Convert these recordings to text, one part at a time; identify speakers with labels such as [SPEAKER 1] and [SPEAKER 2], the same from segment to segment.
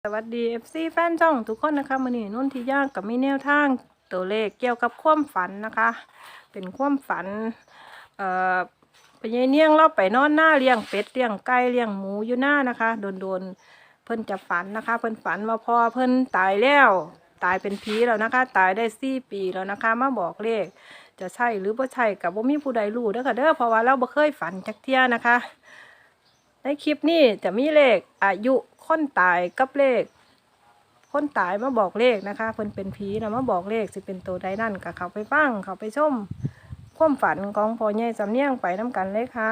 [SPEAKER 1] สวัสดี FC แฟนช่องทุกคนนะคะมื้อนี้นุ่นที่ย่างกับมีแนวทางตัวเลขเกี่ยวกับความฝันนะคะ เป็นความฝันเอ่อไปยายเนียงเราไปนอนหน้าเลี้ยงเป็ดเลี้ยงไก่เลี้ยงหมูอยู่หน้านะคะโดนเพิ่นจะฝันนะคะ เพิ่นฝันว่าพ่อเพิ่นตายแล้วตายเป็นผีแล้วนะคะ ตายได้4 ปีแล้วนะคะมาบอกเลขจะใช่หรือบ่ใช่กับบ่มีผู้ใดรู้เด้อค่ะเด้อเพราะว่าเราบ่เคยฝันจักเที่ยนะคะ ในคลิปนี้จะมีเลขอายุคนตายกับเลขคนตายมาบอกเลขนะคะเพิ่นเป็นผีนะมาบอกเลขสิเป็นตัวใดนั่นก็เข้าไปฟังเข้าไปชมความฝันของพ่อใหญ่สำเนียงไปน้กันเลยค่ะ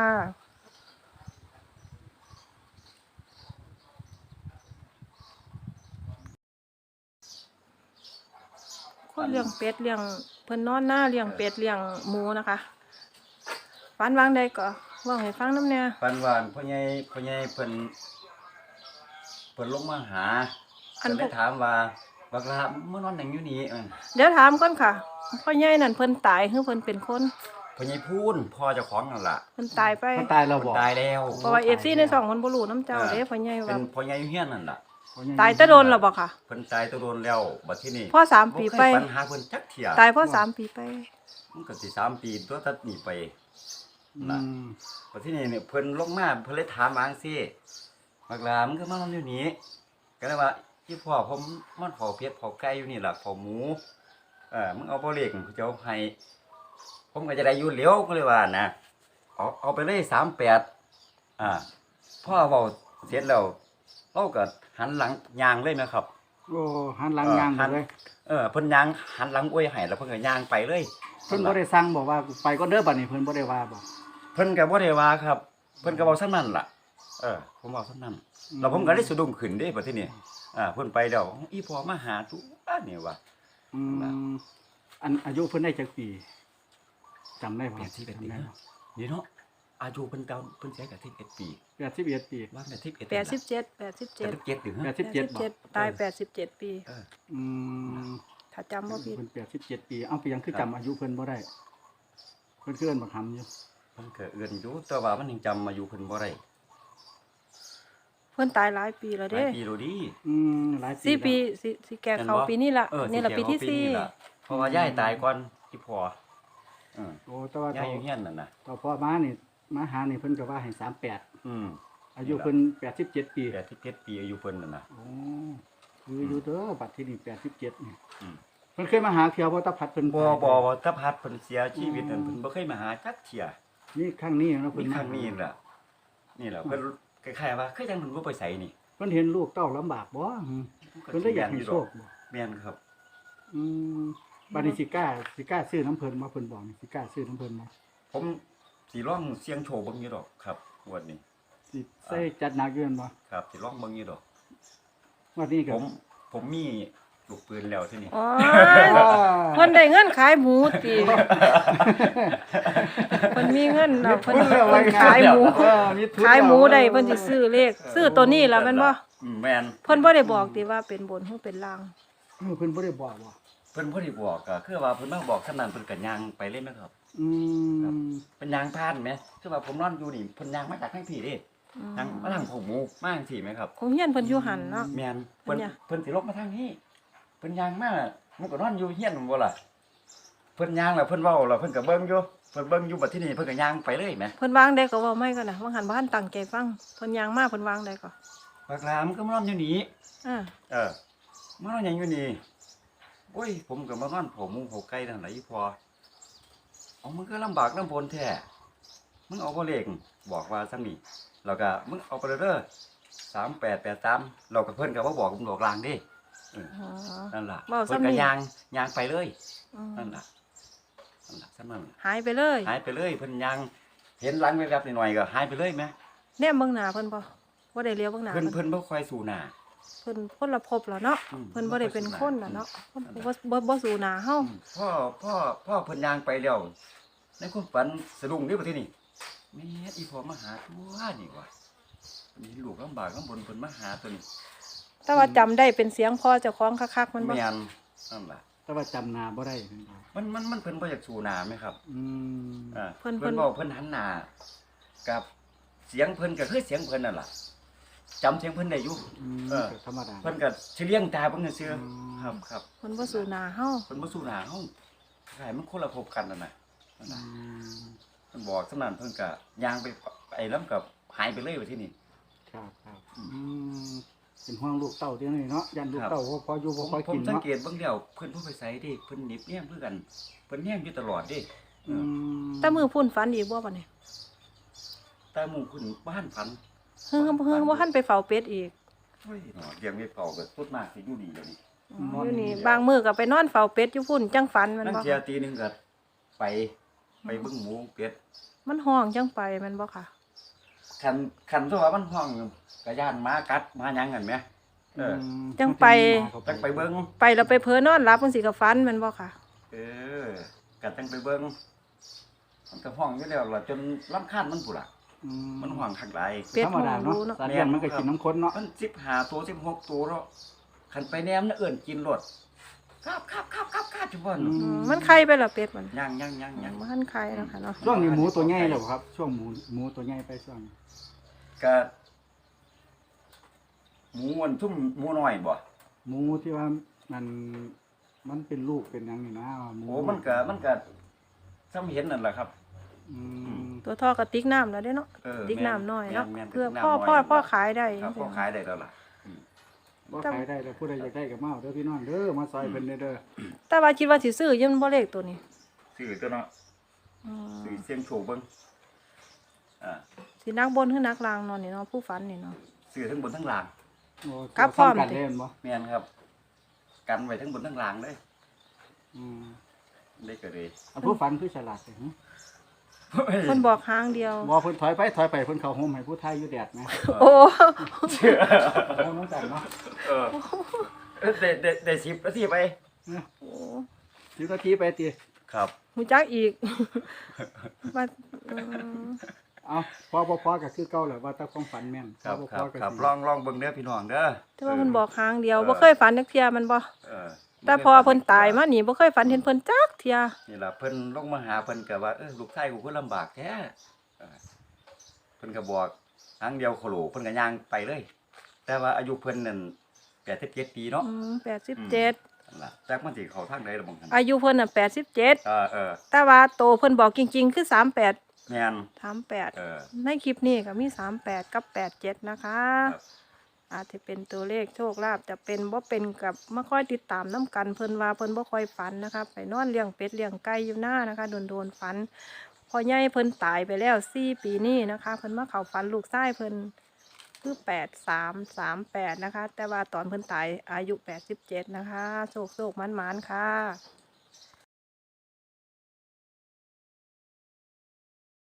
[SPEAKER 1] คนเลี้ยงเป็ดเลี้ยงเพิ่นนอนหน้าเลี้ยงเป็ดเลี้ยงหมูนะคะฝันวางใดก็เว่าให้ฟังน้ำเนี่ย
[SPEAKER 2] ปันหวานพ่อใหญ่เพิ่นลงมาหาก็เลยถามว่าบักลาเมื่อนอนหยังอยู่นี่
[SPEAKER 1] เดี๋ยวถามก่อนค่ะพ่อใหญ่นั่นเพิ่นตายหรือเพิ่นเป็นคน
[SPEAKER 2] พ่อใหญ่พูนพ่อเจ้าของนั่นล่ะ
[SPEAKER 1] เพิ่นตายไป
[SPEAKER 3] ตายเราบอก
[SPEAKER 2] ตายแล้ว
[SPEAKER 1] เพราะว่า FC ใน2คนบ่รู้น้ำเจ้าเด้พ่อใหญ่
[SPEAKER 2] เป็
[SPEAKER 1] ว่าน
[SPEAKER 2] พ่อใหญ่อยู่เฮียนนั่นล่ะ
[SPEAKER 1] ตายแต่โดนแล้วบ่ค่ะ
[SPEAKER 2] เพิ่นตายแตะโดนแล้วบัดทีนี้
[SPEAKER 1] พ่อ3 ปีไป
[SPEAKER 2] บ่เคยปัญหาเพิ่นจักเที่ย
[SPEAKER 1] ตายพ่อ3 ปีไป
[SPEAKER 2] มันก็สิ3 ปีตัวตัดหนีไปน่ะบัดทีนี้เนี่ยเพิ่นลงมาเพิ่นเลยถามว่าจังซี่บักลามึงก็มานอนอยู่นี่ก็เลยว่าอีพ่อผมมันเผาเป็ดเผาไก่อยู่นี่ล่ะเผาหมูมึงเอาบ่เล็กกูจะเอาให้ผมก็จะได้อยู่เหลียวก็เลยว่านะเอาไปเลย38พ่อเว้าเสร็จแล้วเราก็หันหลังย่างเลยนะครับ
[SPEAKER 3] โอ้หันหลังย่างเลย
[SPEAKER 2] เพิ่นย่างหันหลังอวยให้แล้วเพิ่นก็ย่างไปเลย
[SPEAKER 3] เพิ่นบ่ได้สั่งบอกว่าไปก็เด้อบัดนี้เพิ่นบ่ได้ว่าบ่
[SPEAKER 2] เพิ่นก็บ่ได้ว่าครับเพิ่นก็เว้าซั่นนั้นล่ะผมเว้าซั่นนั้นแล้วผมก็ได้สะดุ้งขึ้นเด้บัดทีนี้เพิ่นไปแล้วอีพ่อมาหาตุนี่ว่า
[SPEAKER 3] อันอายุเพิ่นได้จักปีจำได้บ่
[SPEAKER 2] 81ปีนี่เนาะอายุเพิ่นเก่าเพิ่นเสียก็11 ปี
[SPEAKER 3] 81ปี
[SPEAKER 2] ว่า
[SPEAKER 1] 87
[SPEAKER 2] 87ถึง
[SPEAKER 1] 87ตาย87 ปีถ้าจำบ่ผิด
[SPEAKER 3] เพิ่น87ปีเอาไปยังคือจำอายุเพิ่นบ่ได้เพิ่นคือเอิ้นบักหำอยู่
[SPEAKER 2] เพิ่นก็เอื้อนอยู่แต่ว่ามันยังจำอายุเพิ่นบ่ได้
[SPEAKER 1] เพิ่นตายหลายปีแล้วเด้
[SPEAKER 2] หลายปีแล้วดิ
[SPEAKER 3] หลายปี
[SPEAKER 1] 4 ปีสิแก่เข้าปีนี้ล่ะนี่ล่ะปีที่
[SPEAKER 2] 4เพราะว่ายายตายก่อนที่พ่อ
[SPEAKER 3] โอ้แต่ว่าย
[SPEAKER 2] ายอยู่เฮียนนั่นน่ะ
[SPEAKER 3] ต่อพ่อมานี่มาหานี่เพิ่นก็ว่าให้38อายุเพิ่น87ปี
[SPEAKER 2] 87ปีอายุเพิ่นนั่นน่ะ
[SPEAKER 3] โอ้คืออยู่เด้อบัดที่นี่87นี่เพิ่นเคยมาหาเที่ยวบ่ตะพัดเพิ่น
[SPEAKER 2] บ่ตะพัดเพิ่นเสียชีวิตนั่นเพิ่นบ่เคยมาหาจักเที่ย
[SPEAKER 3] นี่ครั้งนี้เนาะเพิ่น
[SPEAKER 2] ครั้งนี้ล่ะนี่แหละเพิ่นคล้ายๆว่าคือจังเพิ่นบ่ไปไสนี่
[SPEAKER 3] เพิ่นเห็นลูกเต้าลำบากบ่เพิ่นเลยอยากให้โชคบ่
[SPEAKER 2] แม่นครับ
[SPEAKER 3] บัดนี้สิกล้าซื้อน้ำเพิ่นบ่เพิ่นบอกสิกล้าซื้อน้ำเพิ่นบ่
[SPEAKER 2] ผมสิลองเสี่ยงโชคเบิ่งอยู่ดอกครับงวดนี้
[SPEAKER 3] สิใส่จัดหนักอยู่บ่
[SPEAKER 2] ครับสิลองเบิ่งอยู่ดอก
[SPEAKER 3] งวดนี้ก็
[SPEAKER 2] ผมมีลูกปืนแล้วที่นี่
[SPEAKER 1] อ๋อเพิ่นได้เงินขายหมูติเพิ่นมีเงินเนาะเพิ่นขายหมูได้เพิ่นสิซื้อเลขซื้อตัวนี้ล่ะแม่นบ่
[SPEAKER 2] แม่น
[SPEAKER 1] เพิ่นบ่ได้บอกติว่าเป็นบนหรือเป็นล่าง
[SPEAKER 3] เพิ่นบ่ได้บอกบ่
[SPEAKER 2] เพิ่นบ่ได้บอกก็คือว่าเพิ่นมาบอกคั่นนั้นเพิ่นก็ย่างไปเลยนะครับเป็นย่างผ่านแหมคือว่าผมนอนอยู่นี่เพิ่นย่างมาจากทางพี่เด้ย่างมาทางของหมูมาจังซี่แหมครับ
[SPEAKER 1] คงเฮียนเพิ่นอยู่หั่นเนาะ
[SPEAKER 2] แม่นเพิ่นสิลงมาทางนี้เพิ่นย่างมามันก็นอนอยู่เฮียนบ่ล่ะเพิ่นย่างแล้วเพิ่นเว้าแล้วเพิ่นก็เบิ่งอยู่เพิ่นเบิ่งอยู่บัดทีนี้เพิ่นก็ย่างไปเลยแหม
[SPEAKER 1] เพิ่นวางได้ก็เว้าไม่ก็น่ะว่าหันบ่ทันตั้งใจฟังเพิ่นย่างมาเพิ่นวางได้ก็
[SPEAKER 2] บักลามันก็มานอนอยู่นี่มานอนหยังอยู่นี่โอ้ยผมก็มานอนเผาหมูเผาไก่นั่นล่ะอีพอเอามึงก็ลำบากลำบนแท้มึงเอาบ่เลขบอกว่าซั่นนี่แล้วก็มึงเอาไปเด้อ3883เราก็เพิ่นก็บ่บอกผมดอกลางเด้นั่นล่ะเพิ่นก็ย่างไปเลยนั่นล่ะซั่นนั่น
[SPEAKER 1] หายไปเลย
[SPEAKER 2] เพิ่นย่างเห็นหลังแวบๆหน่อยๆก็หายไปเลยแม่
[SPEAKER 1] แนมเบิ่งหน้าเพิ่นบ่ได้เลี้ยวเบิ่งหน้า
[SPEAKER 2] เพิ่นบ่ค่อยสู่หน้า
[SPEAKER 1] เพิ่นคนละภพแล้วเนาะเพิ่นบ่ได้เป็นคนล่ะเนาะบ่สู่หน้าเฮา
[SPEAKER 2] พ่อเพิ่นย่างไปแล้วในความฝันสะดุ้งนี่บัดทีนี้แม่อีพ่อมาหาตัวนี่ว่ะมีลูกลำบากลำบนเพิ่นมาหาตัวนี้
[SPEAKER 1] แต่ว่าจำได้เป็นเสียงพ่อเจ้าของคักๆมันบ่
[SPEAKER 2] แม่นนั่นล่ะ
[SPEAKER 3] แต่ว่าจำหน้าบ่ได้
[SPEAKER 2] มันเพิ่นบ่อยากสู่หน้าไหมครับ
[SPEAKER 1] เพิ่น
[SPEAKER 2] บอกเพิ่นหันหน้ากับเสียงเพิ่นก็คือเสียงเพิ่นนั่นล่ะจำเสียงเพิ่นได้อยู่ เออ
[SPEAKER 3] ก็ธรรมดา
[SPEAKER 2] เพิ่นก็สิเลี้ยงตาเพิ่นซื่อ
[SPEAKER 3] อืม
[SPEAKER 2] ครับครับ
[SPEAKER 1] เพิ่นบ่สู่หน้าเฮา
[SPEAKER 2] เพิ่นบ่สู้หน้าเฮาใช่มันคนละภพกันนั่นน่ะนั่น
[SPEAKER 3] อื
[SPEAKER 2] น่ะ
[SPEAKER 3] ม
[SPEAKER 2] เพิ่นบอกสำนั้นเพิ่นก็ย่างไปไอ้ลำกับหายไปเลยว่าที่นี่
[SPEAKER 3] ครับครับเป็นห่วงลูกเต้าเดี๋ยวนี้เนาะยันลูก
[SPEAKER 2] ครับ
[SPEAKER 3] เต้าบ่พออยู่
[SPEAKER 2] ผ
[SPEAKER 3] บ่
[SPEAKER 2] ม
[SPEAKER 3] พอ
[SPEAKER 2] ผม
[SPEAKER 3] กิน
[SPEAKER 2] สัง
[SPEAKER 3] เนาะ
[SPEAKER 2] เกตเบิ่งแล้วเพิ่นบ่ไปไสเด้เพิ่นหนิบแนมคือกันเพิ่นแนมอยู่ตลอดเด้
[SPEAKER 3] อืม
[SPEAKER 1] แต่มือพุ่นฝันอีกบ่บัดนี้
[SPEAKER 2] แต่หมู่เพิ่นบ้านฝัน
[SPEAKER 1] เฮือบ่ทันไปเฝ้าเป็ดอีก
[SPEAKER 2] เฮ้ยเนาะเลี้ยงไม่เป่าก็สุดมากสิอยู่ดีเดี๋ยวนี้
[SPEAKER 1] อยู่นี่บางมื้อก็ไปนอนเฝ้าเป็ดอยู่พุ่นจังฝันแมัน
[SPEAKER 2] นั่ง
[SPEAKER 1] บ่
[SPEAKER 2] เที่ยตีหนึงก็ไปเบิ่งหมูเป็ด
[SPEAKER 1] มันห้องจังไปแมันบ่ค่ะ
[SPEAKER 2] คันตัวว่ามันห้องกะย่านหมากัดหมาหยังกันแหมเออ
[SPEAKER 1] จังไป
[SPEAKER 2] จังไปเบิ่ง
[SPEAKER 1] ไปแล้วไปเผลอนอนหลับจังสิก็ฝันแมันบ่ค่ะ
[SPEAKER 2] เออก็จังไปเบิ่งมันก็ห้องอยู่แล้วล่ะจนรำคาญมันพุ่นล่ะมันห้องคักหลาย
[SPEAKER 1] เป็ด
[SPEAKER 3] ธรรมดา
[SPEAKER 1] ห้องรู้
[SPEAKER 3] เนาะ
[SPEAKER 1] เนาะ
[SPEAKER 3] สัตว์เลี้ยงมันก็กินน้ำข้นเนาะ
[SPEAKER 2] มัน15ตัว16ตัวแล้วคันไปแนมน่ะเอิ้นกินรถครับจุบ่น
[SPEAKER 1] มันไข่ไปแล้วเป็ดมัน
[SPEAKER 2] ยัง
[SPEAKER 1] บ่ทันไข่แล้วค่ะเนาะ
[SPEAKER 3] ช่วงนี้หมูตัวใหญ่แล้วครับ ช่วงหมูตัวใหญ่ไปช่วงนี้
[SPEAKER 2] ก็หมูมันทุ่มหมูน้อยบ่
[SPEAKER 3] หมูที่ว่ามันเป็นลูกเป็นหยังนี่นะหมู
[SPEAKER 2] โอ้มันก็ซ้ำเห็นนั่นแหละครับ
[SPEAKER 3] อืม
[SPEAKER 1] ตัวท่อกระติกน้ำแล้วเด้เนาะ
[SPEAKER 2] เออ
[SPEAKER 1] ติ๊กน้ำน้อยเนาะ
[SPEAKER 2] แม่นๆ
[SPEAKER 1] เพื่อ
[SPEAKER 2] ติ๊ก
[SPEAKER 1] พ่อ
[SPEAKER 2] น้ำน้อย
[SPEAKER 1] พ่อขายได้
[SPEAKER 2] ครับพ่อขายได้แล้วล่ะ
[SPEAKER 3] บ่ขายได้แล้วผู้ใดอยากได้ก็มาเอาเด้อพี่น้องเด้อมาซอยเพิ่นเด้อ
[SPEAKER 1] แต่ว่าคิดว่าสิซื้ออยังบ่เลขตัวนี้
[SPEAKER 2] ซื้อตัวเนาะ
[SPEAKER 1] อืม
[SPEAKER 2] ซื้อเสียงโชคเบิ่ง
[SPEAKER 1] สินักบนคือนักลางเนอนนี่เนาะผู้ฝันนี่เนาะ
[SPEAKER 2] ซื้อทั้งบนทั้งล่าง
[SPEAKER 3] โอ้
[SPEAKER 1] กลับพร้อม
[SPEAKER 3] ซ้ำกันเล่นบ่
[SPEAKER 2] แม่นครับ กันไว้ทั้งบนทั้งล่างเลย
[SPEAKER 3] อืม
[SPEAKER 2] ได้ก็เลย
[SPEAKER 3] อันผู้ฝันคือฉลาดเด้อ
[SPEAKER 1] เพิ่นบอกหางเดียว
[SPEAKER 3] บ่เพิ่นถอยไปเพิ่นเข้าโฮมให้ผู้ไทยอยู่แดดนะ
[SPEAKER 1] โอ้
[SPEAKER 3] แล้วน้องกันเนาะ
[SPEAKER 2] เออได้10นาทีไป
[SPEAKER 1] โอ้
[SPEAKER 3] 10นาทีไปติ
[SPEAKER 2] ครับ
[SPEAKER 1] หูจักอีกว่าอืม
[SPEAKER 3] เอาพอก็คือเก่าแหละว่าแต่ความฝันแม่น
[SPEAKER 2] ครับ
[SPEAKER 3] พ
[SPEAKER 2] ครับ
[SPEAKER 3] ก็
[SPEAKER 2] ครับ
[SPEAKER 3] สิ
[SPEAKER 2] ลองเบิ่งเด้อพี่น้องเด้อ
[SPEAKER 1] แต่ว่าเพิ่นบอกหางเดียวบ่เคยฝันจักเที่ยมันบ่
[SPEAKER 2] เออ
[SPEAKER 1] แต่พอเพิ่นตายมานี่บ่เคยฝันเห็นเพิ่นจักเที่ย
[SPEAKER 2] นี่ล่ะเพิ่นลงมาหาเพิ่นก็ว่าลูกชายกูคือลำบากแท้เพิ่นก็บอกครั้งเดียวโคโลเพิ่นก็ย่างไปเลย แต่ว่าอายุเพิ่นนั่น87ปีเนาะ
[SPEAKER 1] 87
[SPEAKER 2] นั่นล่ะจักมันสิเข้าทางใดล่ะบ่คั่น
[SPEAKER 1] อายุเพิ่นน่ะ87
[SPEAKER 2] เออ
[SPEAKER 1] แต่ว่าโตเพิ่นบอกจริงๆคือ38
[SPEAKER 2] แม่น
[SPEAKER 1] 38ในคลิปนี้ก็มี38กับ87นะคะ
[SPEAKER 2] ครับ
[SPEAKER 1] อาจจะเป็นตัวเลขโชคลาภจะเป็นบ่เป็นกับมาค่อยติดตามน้กันเพิ่นว่าเพิ่นบ่ค่อยฝันนะคะไปนอนเลี้ยงเป็ดเลี้ยงไก่อยู่หน้านะคะโดนฝันพอใหญ่เพิ่นตายไปแล้ว4 ปีนี้นะคะเพิ่นมาเข้าฝันลูกชายเพิ่นคือ8338นะคะแต่ว่าตอนเพิ่นตายอายุ87นะคะโชคๆหมานๆค่ะ